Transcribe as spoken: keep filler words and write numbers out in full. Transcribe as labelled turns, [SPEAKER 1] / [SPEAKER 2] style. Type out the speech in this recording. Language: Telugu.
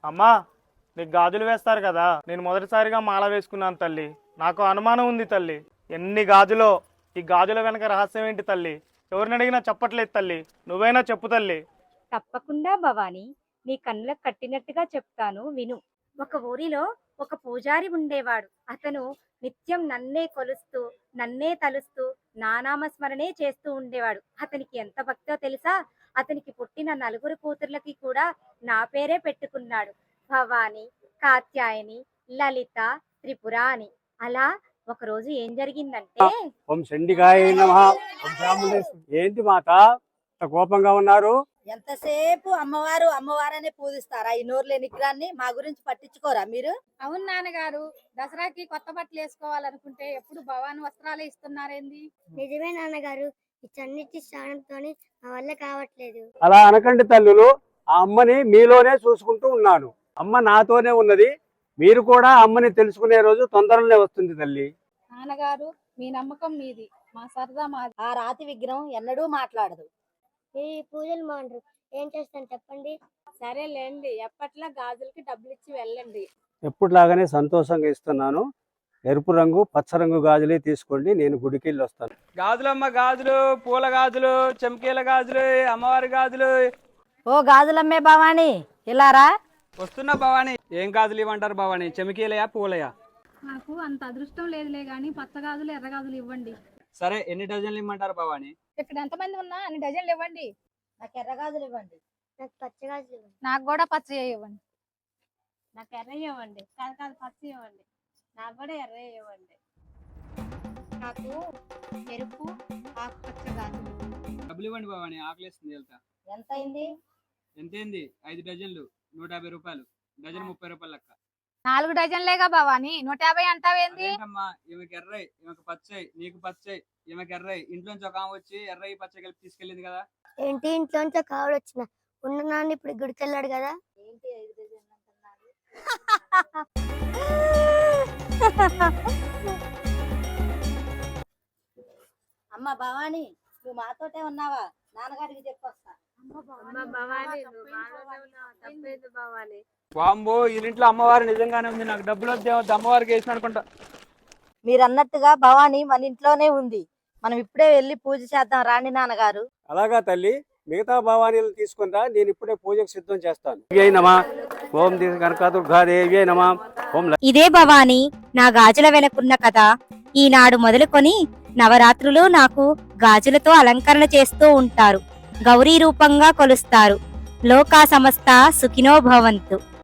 [SPEAKER 1] అమ్మా, నీకు గాజులు వేస్తారు కదా, నేను మొదటిసారిగా మాల వేసుకున్నాను తల్లి. నాకు అనుమానం ఉంది తల్లి, ఎన్ని గాజులో, ఈ గాజుల వెనక రహస్యం ఏంటి తల్లి? ఎవరిని అడిగినా చెప్పట్లేదు తల్లి, నువ్వైనా చెప్పు తల్లి.
[SPEAKER 2] తప్పకుండా భవాని, నీ కన్నులకు కట్టినట్టుగా చెప్తాను విను. ఒక ఊరిలో ఒక పూజారి ఉండేవాడు. అతను నిత్యం నన్నే కొలుస్తూ నన్నే తలుస్తూ నానామస్మరణే చేస్తూ ఉండేవాడు. అతనికి ఎంత భక్తో తెలుసా? అతనికి పుట్టిన నలుగురు కూతుర్లకి కూడా నా పేరే పెట్టుకున్నాడు. భవాని, కాత్యాయని, లలిత, త్రిపుర అని. అలా ఒకరోజు ఏం జరిగిందంటే,
[SPEAKER 3] ఓం చండికాయ నమః. ఓం చాముండేశ్వరి. ఏంటి మాత ఇంత కోపంగా ఉన్నారు?
[SPEAKER 4] ఎంతసేపు అమ్మవారు అమ్మవారనే పూజిస్తారా? ఈ నోరు లేని నిగ్రాన్ని మా గురించి పట్టించుకోరా మీరు?
[SPEAKER 5] అవును నాన్నగారు, దసరాకి కొత్త బట్టలు వేసుకోవాలనుకుంటే ఎప్పుడు భవాని వస్త్రాలే ఇస్తున్నారేంది?
[SPEAKER 6] నిజమే నాన్నగారు, ఈ చన్నిటి స్నానంతో నా వల్ల కావట్లేదు.
[SPEAKER 3] అలా అనకండి తల్లులు, ఆ అమ్మని మీలోనే చూసుకుంటూ ఉన్నాను. అమ్మ నాతోనే ఉన్నది. మీరు కూడా అమ్మని తెలుసుకునే రోజు తొందరలోనే వస్తుంది తల్లి.
[SPEAKER 5] నాన్నగారు, మీ నమ్మకం మీది, మా సరదా మాది.
[SPEAKER 4] ఆ రాతి విగ్రహం ఎన్నడూ మాట్లాడదు.
[SPEAKER 6] ఈ పూజలు మాండ్రు ఏం చేస్తాను చెప్పండి.
[SPEAKER 5] సరేలేండి, ఎప్పట్లా గాజులకి డబ్బులు ఇచ్చి వెళ్ళండి.
[SPEAKER 3] ఎప్పుడులాగానే సంతోషంగా ఇస్తున్నాను. ఎరుపు రంగు పచ్చ రంగు గాజులే తీసుకోండి, నేను గుడికి వెళ్ళి వస్తాను.
[SPEAKER 7] గాజులమ్మ గాజులు, పూల గాజులు, చెంకీల గాజులు, అమ్మవారి గాజులు.
[SPEAKER 4] ఓ గాజులమ్మే భవాని, ఇలారా.
[SPEAKER 7] వస్తున్నా భవాని. ఏం గాజులు ఇవ్వంటారు భవాని? చెమికీలయా పూలయా?
[SPEAKER 5] నాకు అంత అదృష్టం లేదులే గాని పచ్చ గాజులు ఎర్ర గాజులు ఇవ్వండి.
[SPEAKER 7] సరే, ఎన్ని డజన్లు ఇమ్మంటారు భవాని?
[SPEAKER 5] ఇక్కడ ఎంతమంది ఉన్నా అన్ని డజన్లు ఇవ్వండి.
[SPEAKER 4] నాకు ఎర్ర గాజులు ఇవ్వండి.
[SPEAKER 6] నాకు పచ్చగా ఇవ్వండి.
[SPEAKER 5] నాకు కూడా పచ్చ ఇవ్వండి.
[SPEAKER 2] నాకు ఎర్ర ఇవ్వండి. కాదు కాదు పచ్చ ఇవ్వండి. నాకు కూడా ఎర్ర ఇవ్వండి.
[SPEAKER 5] నాకు ఎరుపు ఆకుపచ్చ గాజులు.
[SPEAKER 7] డబ్బులు ఇవ్వండి భవాని, ఆకలిస్తుంది. వెళ్తా.
[SPEAKER 4] ఎంత అయింది?
[SPEAKER 7] ఎంతేంది? ఐదు డజన్లు నూట యాభై రూపాయలు. డజన్ ముప్పై రూపాయలు లెక్క.
[SPEAKER 5] నాలుగు డజన్లేగా భవాని, నూట యాభై అంటావేంది?
[SPEAKER 7] అదేంటమ్మా, ఈమెకి ఎర్రయి, ఈమెకి పచ్చయి, నీకు పచ్చయి, ఈమెకి ఎర్రయి. ఇంట్లోంచి ఒక ఆమె వచ్చి ఎర్రయి పచ్చ కలిపి తీసుకెళ్ళింది కదా.
[SPEAKER 6] ఏంటి ఇంట్లోంచి కావడ వచ్చిన ఉన్న నాన్న ఇప్పుడు గుడికి వెళ్ళాడు కదా.
[SPEAKER 4] ఏంటి ఐదు డజన్లు అంటున్నారు? అమ్మ భవాని, నువ్వు మాతోటే ఉన్నావా? నాన్నగారికి చెప్పొస్తా.
[SPEAKER 7] వాంబో, ఇంట్లో అమ్మవారి నిజంగానే ఉంది. నాకు డబ్బులు వద్దే వద్దు, అమ్మవారికి వేసిన అనుకుంటా.
[SPEAKER 4] మీరు అన్నట్టుగా భవాని మన ఇంట్లోనే ఉంది. మనం ఇప్పుడే వెళ్ళి పూజ చేద్దాం రాండి నాన్నగారు.
[SPEAKER 3] అలాగా తల్లి, మిగతా భవానీలు తీసుకుందా, నేను ఇప్పుడే పూజకు సిద్ధం చేస్తాను. దేవ్యై నమః. ఓం కనకదుర్గాదేవ్యై నమః. ఓం
[SPEAKER 2] ఇదే భవాని నా గాజుల వెనకున్న కథ. ఈనాడు మొదలుకొని నవరాత్రులు నాకు గాజులతో అలంకరణ చేస్తూ ఉంటారు. గౌరీ రూపంగా కొలుస్తారు. లోకా సమస్త సుఖినో భవంతు.